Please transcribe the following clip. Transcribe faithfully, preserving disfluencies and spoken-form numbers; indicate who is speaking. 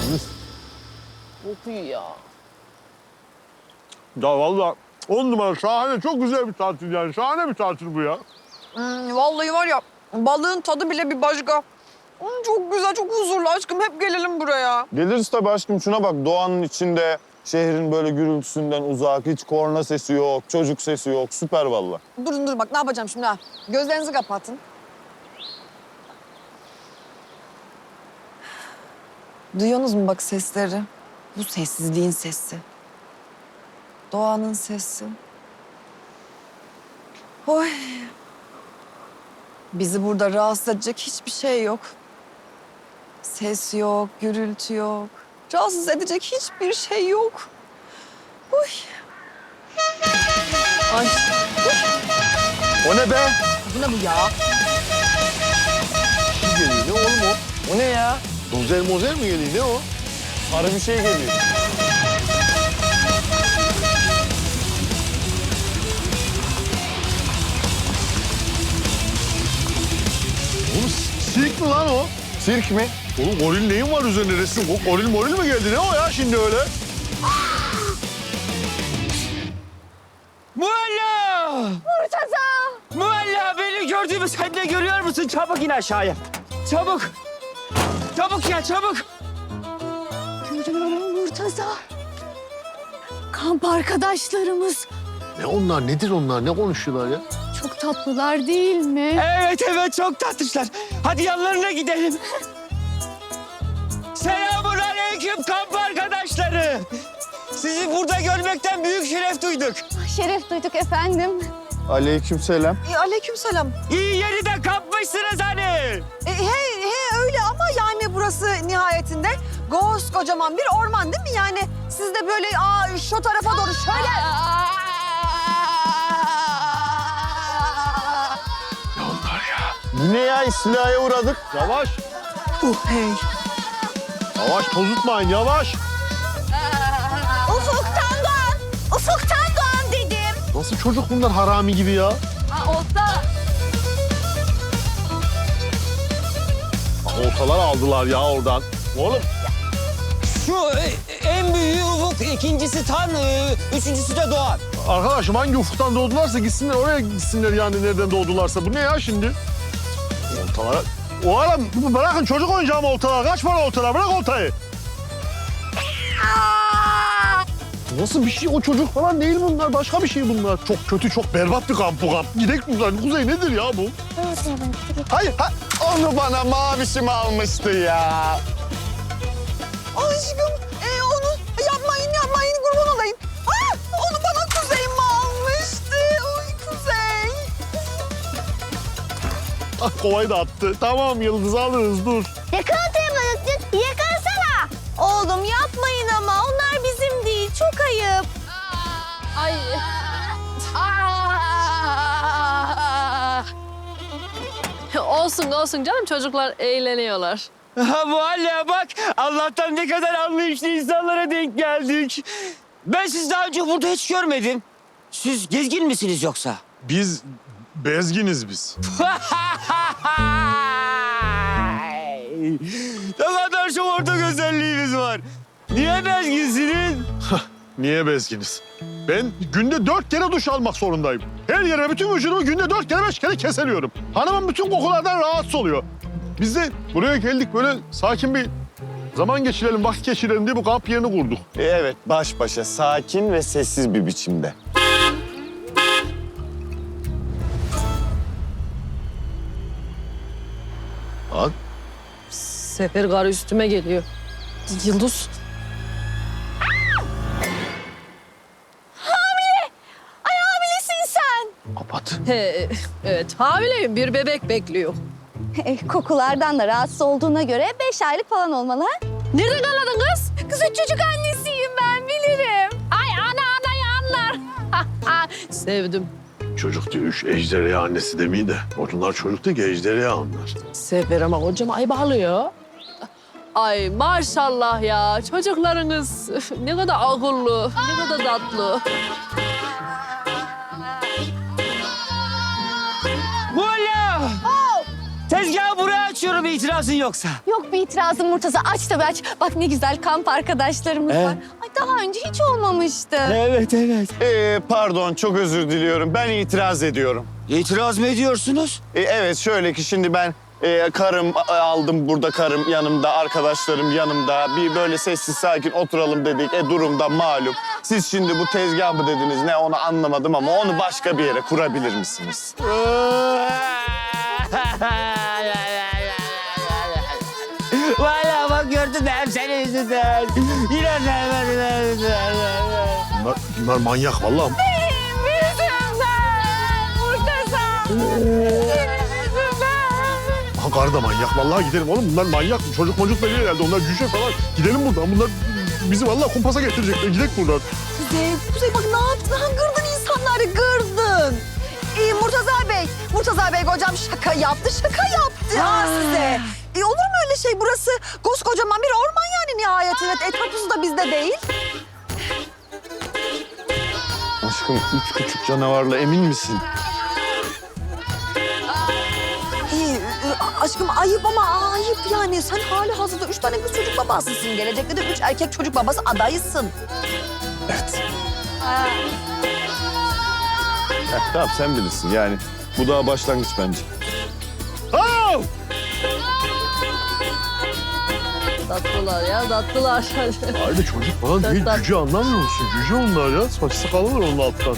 Speaker 1: Çok iyi ya.
Speaker 2: Ya vallahi on numara şahane, çok güzel bir tatil yani. Şahane bir tatil bu ya.
Speaker 1: Hmm, vallahi var ya, balığın tadı bile bir başka. Hmm, çok güzel, çok huzurlu aşkım. Hep gelelim buraya.
Speaker 3: Geliriz tabii aşkım. Şuna bak, doğanın içinde, şehrin böyle gürültüsünden uzak, hiç korna sesi yok, çocuk sesi yok. Süper vallahi.
Speaker 1: Durun dur bak ne yapacağım şimdi ha. Gözlerinizi kapatın. Duyuyorsunuz mu bak sesleri? Bu sessizliğin sesi. Doğanın sesi. Oy. Bizi burada rahatsız edecek hiçbir şey yok. Ses yok, gürültü yok. Rahatsız edecek hiçbir şey yok. Oy. Ay.
Speaker 3: O ne be?
Speaker 1: Bu ne bu ya?
Speaker 2: Ne geliyor? Ne oğlum o?
Speaker 3: O ne ya?
Speaker 2: Dozer mozer mi geliyor? Ne o?
Speaker 3: Sarı bir şey geliyor.
Speaker 2: Oğlum sirk mi lan o?
Speaker 3: Sirk mi?
Speaker 2: Oğlum goril neyin var üzerinde resim? O goril moril mi geldi? Ne o ya şimdi öyle?
Speaker 4: Mualla!
Speaker 1: Murtaza!
Speaker 4: Mualla beni gördüğümü sen de görüyor musun? Çabuk in aşağıya. Çabuk. Çabuk ya çabuk.
Speaker 5: Görüyorum Murtaza. Kamp arkadaşlarımız
Speaker 2: Ne onlar? Nedir onlar? Ne konuşuyorlar ya?
Speaker 5: çok tatlılar değil mi?
Speaker 4: Evet evet çok tatlışlar. Hadi yanlarına gidelim. Selamun aleyküm kamp arkadaşları. Sizi burada görmekten büyük şeref duyduk.
Speaker 5: Şeref duyduk efendim.
Speaker 3: Aleykümselam.
Speaker 1: E, aleykümselam.
Speaker 4: İyi yeri de kapmışsınız hani.
Speaker 1: E, he, he öyle ama yani burası nihayetinde kocaman bir orman değil mi? Yani siz de böyle aa, şu tarafa doğru şöyle...
Speaker 2: Ne onlar ya?
Speaker 3: Bu ne ya? İstilaya uğradık.
Speaker 2: Yavaş.
Speaker 1: Uh hey.
Speaker 2: Yavaş tozutmayın yavaş.
Speaker 5: Ufuktan doğan, ufuktan doğan dedim.
Speaker 2: Nasıl çocuk bunlar harami gibi ya?
Speaker 5: Aa, olsa
Speaker 2: Oltalar aldılar ya oradan. Oğlum
Speaker 4: Şu e, en büyüğü Ufuk, ikincisi Tan, e, üçüncüsü de Doğan.
Speaker 2: arkadaşım hangi ufuktan doğdularsa gitsinler oraya gitsinler yani nereden doğdularsa. Bu ne ya şimdi? Oltalara... Oğlum bırakın çocuk oyuncağı mı oltalar? Kaç para oltalar? Bırak oltayı. Nasıl bir şey? O çocuk falan değil bunlar. Başka bir şey bunlar. Çok kötü, çok berbat bir kamp bu kamp. Gidelim buradan. Kuzey nedir ya bu?
Speaker 3: Hayır, ha, onu bana mavişim almıştı ya.
Speaker 1: Aşkım e, onu yapmayın yapmayın kurban olayım. Aa, onu bana Kuzey mi almıştı? Oy Kuzey.
Speaker 2: Ah kovayı da attı. Tamam Yıldız alırız dur.
Speaker 5: yakalatayım balıkçı, yakalasana. Oğlum yapmayın ama onlar bizim değil, çok ayıp. Ay.
Speaker 6: Olsun olsun canım çocuklar eğleniyorlar.
Speaker 4: Ha Mualla bak Allah'tan ne kadar anlayışlı insanlara denk geldik. Ben sizi daha önce burada hiç görmedim. Siz gezgin misiniz yoksa?
Speaker 2: Biz bezginiz biz.
Speaker 4: Ne kadar şu ortak özelliğimiz var. Niye bezginsiniz?
Speaker 2: Niye bezginiz? Ben günde dört kere duş almak zorundayım. Her yere bütün vücudumu günde dört kere beş kere keseliyorum. Hanımın bütün kokulardan rahatsız oluyor. Biz de buraya geldik böyle sakin bir zaman geçirelim, vakit geçirelim diye bu kamp yerini kurduk.
Speaker 3: E, evet, baş başa, sakin ve sessiz bir biçimde.
Speaker 2: Lan
Speaker 6: Sefer garı üstüme geliyor. Yıldız.
Speaker 5: Ay hamilesin sen.
Speaker 2: kapat.
Speaker 6: He, evet hamileyim bir bebek bekliyor.
Speaker 5: E, kokulardan da rahatsız olduğuna göre beş aylık falan olmalı ha?
Speaker 6: Nereden anladın kız?
Speaker 5: Kız çocuk annesiyim ben, bilirim.
Speaker 6: Ay ana anayı anlar. Sevdim.
Speaker 2: Çocuk diyor, üç ejderha annesi demeyi de. Onlar çocuk değil ki ejderha onlar.
Speaker 6: Sefer ama kocam ay bağlıyor. Ay maşallah ya çocuklarınız üf, ne kadar akıllı, ne kadar tatlı.
Speaker 4: Mualla! Tezgahı buraya Açıyorum, itirazın yoksa.
Speaker 5: Yok bir itirazım Murtaza. Aç tabii aç. Bak ne güzel kamp arkadaşlarımız
Speaker 4: Ee?
Speaker 5: var. Ay daha önce hiç olmamıştı.
Speaker 4: Evet, evet.
Speaker 3: Ee, pardon çok özür diliyorum. Ben itiraz ediyorum.
Speaker 4: İtiraz mı ediyorsunuz?
Speaker 3: Ee, evet şöyle ki şimdi ben e, karım a- aldım burada karım yanımda, arkadaşlarım yanımda. Bir böyle sessiz sakin oturalım dedik. E durumda malum. Siz şimdi bu tezgah mı dediniz ne onu anlamadım ama onu başka bir yere kurabilir misiniz?
Speaker 4: Valla bak gördün mü hep senin yüzünden. Yine
Speaker 2: Bunlar, bunlar manyak vallahi. Aha karı da manyak. Vallahi gidelim oğlum. Bunlar manyak. Çocuk mocuk veriyor herhalde. Onlar cüce falan. Gidelim buradan. Bunlar bizi vallahi kumpasa getirecekler. Gidelim buradan.
Speaker 1: Kuzey, Kuzey bak ne yaptın? Ha, gırdın insanları, gırdın. İyi Murtaza Bey, Murtaza Bey hocam şaka yaptı, şaka yaptı ha size. E, olur mu öyle şey? Burası koskocaman bir orman yani nihayetinde. Etrafımız da bizde değil.
Speaker 3: Aşkım üç küçük canavarla emin misin?
Speaker 1: İyi, e, aşkım ayıp ama ayıp yani. Sen hali hazırda üç tane kız çocuk babasısın. Gelecekte de üç erkek çocuk babası adayısın.
Speaker 3: Evet. Heh, tamam sen bilirsin yani. Bu daha başlangıç bence.
Speaker 2: Aa!
Speaker 6: Tatlılar ya, tatlılar.
Speaker 2: Aile çocuk falan değil.
Speaker 6: Tat-
Speaker 2: Cüce anlamıyor musun? Cüce onlar ya. Saç sakalı var onun alttan.